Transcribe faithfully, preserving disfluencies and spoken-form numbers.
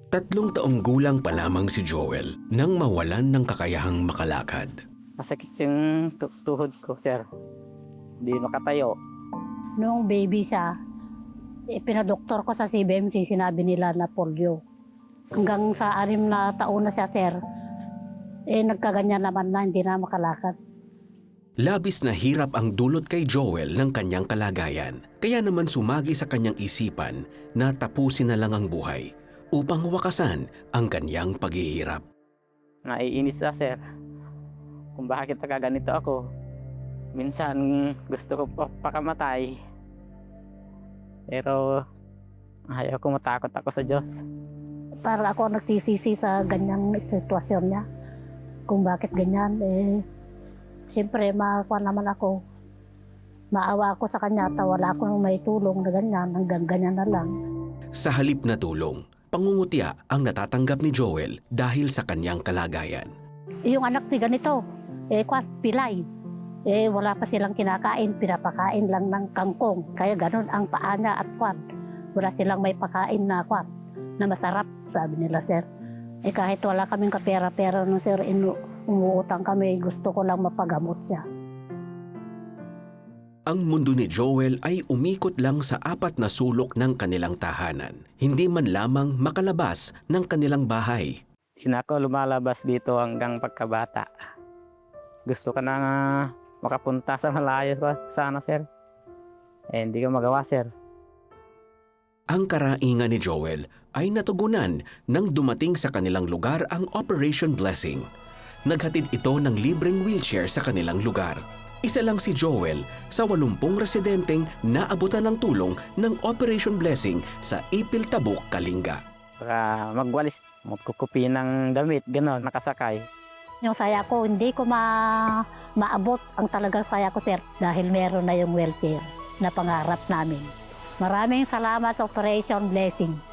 Tatlong taong gulang pa lamang si Joel nang mawalan ng kakayahang makalakad. Masakit yung tu- tuhod ko, sir. Hindi makatayo. Noong baby siya, eh, pinadoktor ko sa C B M C, sinabi nila na polio. Hanggang sa anim na taon na siya, sir, eh nagkaganyan naman na, hindi na makalakad. Labis na hirap ang dulot kay Joel ng kanyang kalagayan. Kaya naman sumagi sa kanyang isipan na tapusin na lang ang buhay upang wakasan ang kanyang paghihirap. Naiinis na, sir. Kung bakit nakaganito ako. Minsan gusto ko pa pakamatay. Pero ayaw ko, matakot ako sa Diyos. Para ako nagtisisi sa ganyang sitwasyon niya. Kung bakit ganyan, eh, siyempre makakuha naman ako. Maawa ako sa kanya, at wala akong may tulong na ganyan, hanggang ganyan na lang. Sa halip na tulong, pangungutya ang natatanggap ni Joel dahil sa kanyang kalagayan. Yung anak ni ganito, eh, kwan, pilay. Eh, wala pa silang kinakain, pinapakain lang ng kangkong. Kaya ganun ang paa niya at kwan. Wala silang may pakain na kwan, na masarap, sabi nila, sir. Eh, kahit wala kaming kapera-pera no, sir, inu umuutang kami, gusto ko lang mapagamot siya. Ang mundo ni Joel ay umikot lang sa apat na sulok ng kanilang tahanan. Hindi man lamang makalabas ng kanilang bahay. Hindi na ako lumalabas dito hanggang pagkabata. Gusto ko na makapunta sa malayo ko sana, sir. Eh, hindi ko magawa, sir. Ang karaingan ni Joel ay natugunan nang dumating sa kanilang lugar ang Operation Blessing. Naghatid ito ng libreng wheelchair sa kanilang lugar. Isa lang si Joel sa walumpung residenteng naabutan ng tulong ng Operation Blessing sa Ipil Tabuk, Kalinga. Para magwalis, magkukupi ng damit, gano'n, nakasakay. Yung saya ko, hindi ko ma maabot ang talagang saya ko, sir, dahil meron na yung wheelchair na pangarap namin. Maraming salamat sa Operation Blessing.